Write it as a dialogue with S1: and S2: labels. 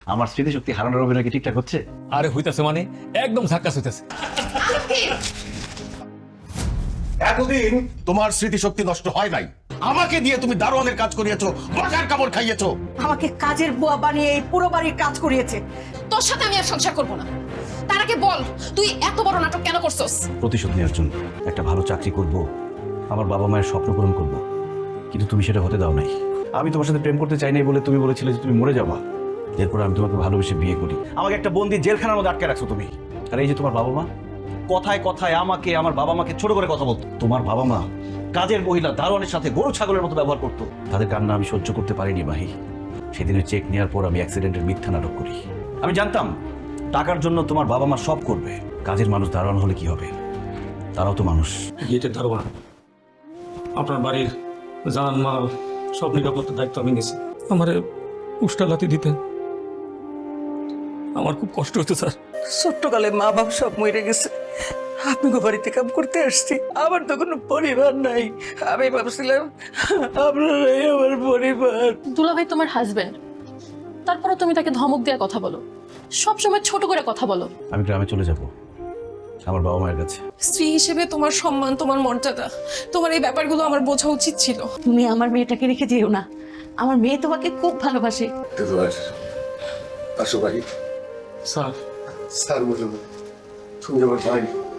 S1: আমার স্মৃতিশক্তি হারানোর অভিনয় কি ঠিকঠাক হচ্ছে?
S2: আরে হইতাছে মানে একদম ঝাক্কাস হইতাছে।
S3: এতদিন তোমার স্মৃতিশক্তি নষ্ট হয় নাই। আমাকে দিয়ে তুমি দারোয়ানের কাজ করিয়েছো, মজার কামড় খাইয়েছো।
S4: আমাকে কাজের বুয়া বানিয়ে এই পুরো বাড়ির কাজ করিয়েছে।
S5: তোর সাথে আমি আর সংসার করবো না। তার আগে বল, তুই এত বড় নাটক কেন করছস?
S1: প্রতিশোধ নেওয়ার জন্য। একটা ভালো চাকরি করব, আমার বাবা মায়ের স্বপ্ন পূরণ করব, কিন্তু তুমি সেটা হতে দাও নাই। আমি তোমার সাথে প্রেম করতে চাই নাই বলে তুমি বলেছিলে যে তুমি মরে যাবা। এরপর আমি তোমাকে ভালোবেসে বিয়ে করি, আমাকে একটা বন্দি জেলখানার মধ্যে আটকে রাখছো তুমি। আর এই যে তোমার বাবা মা, কথায় কথায় আমাকে আমার বাবা মাকে ছোট করে কথা বলতো। তোমার বাবা মা কাজের মহিলা দারোয়ানের সাথে গরু ছাগলের মতো ব্যবহার করতো। তাদের কান্না আমি সহ্য করতে পারিনি মাহি। সেদিনের চেক নেওয়ার পর আমি অ্যাক্সিডেন্টের মিথ্যা নাটক করি। আমি জানতাম টাকার জন্য তোমার বাবা মা সব করবে। কাজের মানুষ দারোয়ান হলে কি হবে? তারাও তো মানুষ।
S6: গেটের দারোয়ান, আপনার বাড়ির জান মাল সব নিরাপত্তার দায়িত্ব আমি নিয়েছি। আমারে উষ্টা লাথি দিতেন, আমার খুব কষ্ট হতো স্যার।
S4: ছোট্টকালে মা বাপ সব মরে গেছে, আপনি বাড়িতে কাম করতে আসছি। আমার তো কোনো পরিবার নাই। আমি ভাবছিলাম আপনারাই আমার পরিবার।
S5: দুলাভাই তোমার হাজবেন্ড, তারপরে তুমি তাকে ধমক দেওয়া কথা বলো, সবসময় ছোট করে কথা বলো।
S1: আমি গ্রামে চলে যাব আমার বাবা মায়ের কাছে।
S5: স্ত্রী হিসেবে তোমার সম্মান, তোমার মর্যাদা, তোমার এই ব্যাপারগুলো আমার বোঝা উচিত ছিল।
S4: তুমি আমার মেয়েটাকে রেখে যেও না, আমার মেয়ে তোমাকে খুব ভালোবাসে।
S3: আসো ভাই।
S6: স্যার
S3: স্যার বলুন, তুমি আমার ভাই।